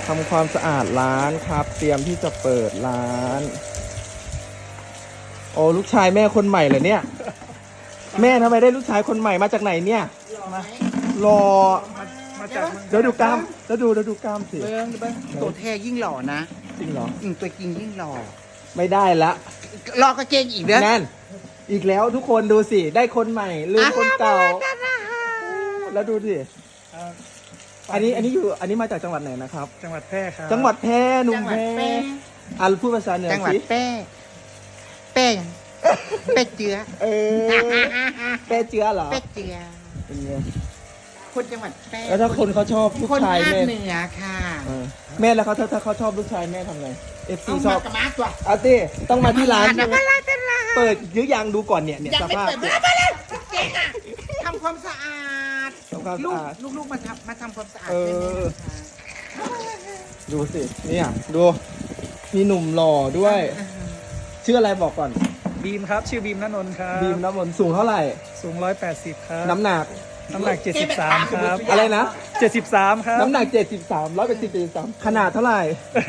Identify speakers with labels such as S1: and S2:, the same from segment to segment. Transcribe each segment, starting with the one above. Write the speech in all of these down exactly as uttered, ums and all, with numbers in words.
S1: ำความสะอาดร้านครับ เตรียมที่จะเปิดร้าน โอ้ลูกชายแม่คนใหม่เหรอเนี่ย แม่ทำไมได้ลูกชายคนใหม่มาจากไหนเนี่ยรอ
S2: มาจาก
S1: เดี๋ยวดูกล้ามแล้วดูแล้วดูกล้ามสิ
S2: เบิ้งเบิ้งตัวแท้ยิ่งหล่อนะ
S1: จริงเหรอ
S2: อืมตัวจริงยิ่งหล่อ
S1: ไม่ได้ละ
S2: รอก็เจงอีกเด้อ
S1: นั่นอีกแล้วทุกคนดูสิได้คนใหม่ลืมคนเก่า แล้วดูสิอันนี้อันนี้อยู่อันนี้มาจากจังหวัดไหนนะครับ
S3: จังหวัดแพร่ครับ
S1: จังหวัดแพร่หนุ่
S2: จั
S1: ม
S2: งหวั
S1: แพ
S2: ด
S1: ร่
S2: แป้
S1: อ่ะพูดภาษาเหนือ
S2: จังหวัด
S1: สิ
S2: แป้แป้ยังแป้เจือ
S1: เออแป้เจือเหรอ
S2: แป้เจือ
S1: เป็นไง
S2: คนจังหวัดแป้
S1: แล้วถ้าคนเขาชอบลูก
S2: คน
S1: ชาย
S2: ภาค
S1: แม่
S2: เหนือค่ะ
S1: เออแม่แล้วเขาถ้าถ้าเขาชอบลูกชายแม่ทำไงเอฟซี
S2: เอา
S1: ช
S2: มา
S1: อบ
S2: กับมาตัว
S1: เอาสิต้องมาที่ร้านใช่ไหม
S2: มาร้านตลาด
S1: เปิดหรือยังดูก่อนเนี่ยเนี่ย
S2: ยัง
S1: ส
S2: ไม่
S1: ภาพ
S2: เปิดมามาแล้วเจ๊งอ่ะทำความสะอาด
S1: ทำความ
S2: ลู
S1: สะ
S2: ก
S1: อาด
S2: ลูกๆมาทำมาทำความสะอาด
S1: เออ
S2: ใช่ไหมคะ
S1: ดูสิเนี่ยดูมีหนุ่มหล่อด้วย ชื่ออะไรบอกก่อน
S3: บีมครับชื่อบีมณนนท์ครับ
S1: บีมน้ำมนต์สูงเท่าไหร่
S3: สูงร้อยแปดสิบครับ
S1: น้ำหนัก
S3: น้ำหนักเจ็ดสิบสามครับ
S1: อะไรนะ
S3: เจ็ดสิบสามครับ
S1: น้ำหนักเจ็ดสิบสามร้อยเป็นสิบเจ็ดสิบสามขนาดเท่าไหร่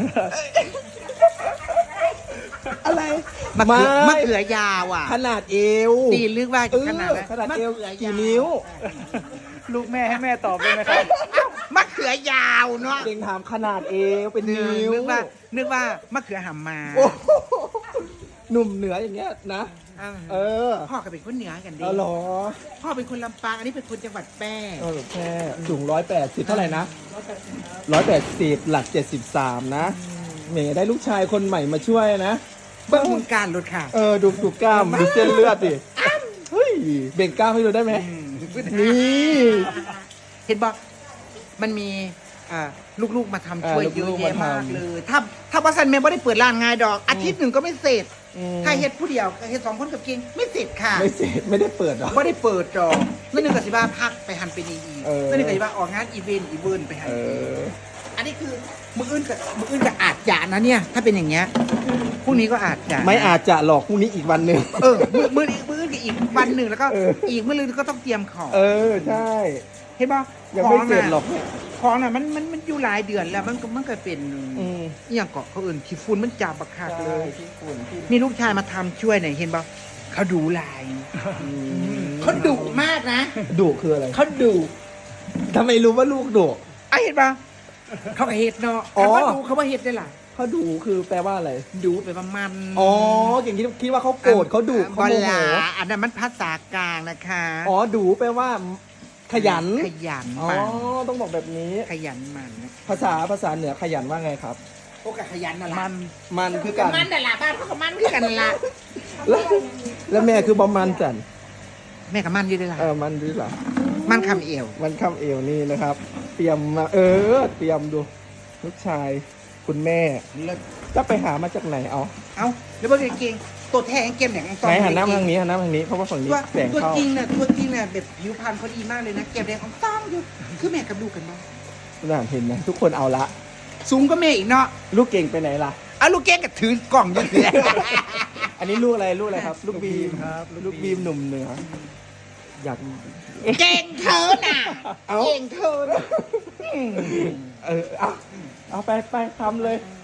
S1: อะไร
S2: มะเขือ
S1: ไ
S2: มะเขือยาวอ่ะ
S1: ขนาดเอว
S2: ตีลึกว่า
S1: เออ
S2: ขนาดนั้น
S1: ขนาดเอว
S2: มะขืย
S1: กี่นิ้ว
S3: ลูกแม่ให้แม่ตอบเลยนะครับ
S2: เอ้ามะเขือยาวเนาะ
S1: เด็งถามขนาดเอวเป็น
S2: นึก
S1: นิ้ว
S2: นึกว่านึกว่ามะเขือหำมา
S1: โอ้โหหนุ่มเหนืออย่างเงี้ยนะ
S2: เออ
S1: เออ
S2: พ่อก็เป็นคนเหนือกันดี
S1: เอาเหรอ
S2: พ่อเป็นคนลำปางอันนี้เป็นคนจังหวัดแพร่
S1: เออแค่สูงร้อยแปดสิบเท่าไหร่นะร้อยแปดสิบหลักเจ็ดสิบสามนะเมย์ได้ลูกชายคนใหม่มาช่วยนะ
S2: เบิ้งหุ่นการรถค่ะ
S1: เออดูดูกล้ามดูเส้นเลือดดิเฮ้ยเบ่งกล้ามให้ดูได้ไหมนี่
S2: เห็นบอกมันมีอ่าลูกๆมาทำช่วยเยอะแยะมากเลย ถ้าถ้าวัสันแม่ไม่ได้เปิดร้านง่ายดอก อาทิตย์หนึ่งก็ไม่เสร็จ
S1: อืม
S2: ถ้าเฮ็ดผู้เดียวเฮ็ดสองคนกับกินไม่เสร็จค่ะ
S1: ไม่เสร็จไม่ได้เปิดหรอ
S2: ไม่ได้เปิดดอกนั่นหนึ่งกับสิบ้าพักไปหันไปนีอี
S1: เออ
S2: นั่นหนึ่งกับสิบ้าออกงานอีเวนต์อีเวนต์ไปหัน
S1: เออ
S2: อันนี้คือมืออื่นกับมืออื่นกับอาจจะนะเนี่ย ถ้าเป็นอย่างเงี้ยพรุ่งนี้ก็อาจจะ
S1: ไม่อาจจะหลอกพรุ่งนี้อีกวันหนึ่ง
S2: เออมือมืออีกมืออื่นกับอีกวันหนึ่งแล้วก็
S1: เออ
S2: อีกมืออื่นก็ต้องเตรียมของ
S1: เออใช่
S2: เห็นป่ะ
S1: ยังไม่เสร็จหรอกเนี่ย
S2: ของน่ะมันมันมันอยู่หลายเดือนแล้วมันก็มันก็เป็น
S1: อืม
S2: อหย่างเกาะเขาอื่นขี้ฝุ่นมันจับบักคักเลย
S1: ที่ฝุ่นที่
S2: มีลูกชายมาทำช่วยหน่อยเห็นป่ะเขาดูลาย
S1: อืม
S2: เขาดุมากนะ
S1: ดุคืออะไร
S2: เขาดุ
S1: ทำไมรู้ว่าลูกดุ
S2: ไอ้เห็นป่ะเขาก็เห็ดเนาะ
S1: อ๋อ
S2: คำว่าดูเขาว่าเห็ดได้หล่ะ
S1: เขาดุคือแปลว่าอะไร
S2: ดูไปประมาณ
S1: อ๋อเก่งคิดคิดว่าเขาโกรธเขาดุเขาโมโห
S2: บลาอันนั้นมันภาษากลางนะคะ
S1: อ๋อดุแปลว่า ขยัน
S2: ขยัน
S1: อ๋อ
S2: มัน
S1: ต้องบอกแบบนี้
S2: ขยันมันนะ
S1: ภาษาภาษาเหนือขยันว่าไงครับ
S2: พวกก็ขยันนั่นแหละ
S3: มัน
S1: มันคือกัน
S2: มันนั่นแหละบ้านเขาก็มันคือกันนั่นละ
S1: แล้วแล้วแม่คือบอมมันจัน
S2: แม่กับมันอยู่ด้วยล่ะ
S1: เออมันดีหรอ
S2: มันคำเอว
S1: มันคำเอวนี่นะครับ เตรียมมาเออ เตรียมดู ลูกชาย คุณแม่
S2: เลิศ
S1: จะไปหามาจากไหนเอา
S2: เอาแล้วเบอร์เก่งตัวแทงเกมเนี่ย
S1: ไหนหันหน้ามาทางนี้หันหน้ามาทางนี้เพราะว่าฝั่งนี้
S2: ตัว
S1: แสง
S2: ตัว
S1: เข้า
S2: จริงน่ะตัวจริงน่ะแบบผิวพรรณเขาดีมากเลยนะเก็บแดงของต้องอยู่คือแม่กับลูกกันบ้าง
S1: น่าเห็นไหมทุกคนเอาละ
S2: สูงก็แม่อีกเนาะ
S1: ลูกเก่งไปไหนล่ะ
S2: เอาลูกเก่งกับถือกล่องอยู่เนี่ย
S1: อันนี้ลูกอะไรลูกอะไรครับ ลูกบีม
S3: ครับ
S1: ลูกบีมหนุ่มเหนืออยาก
S2: เก่งเธอน่ะ
S1: เอา
S2: เก่งเธอน่ะ
S1: เออเอาเอาไปไปทำเลย
S2: อ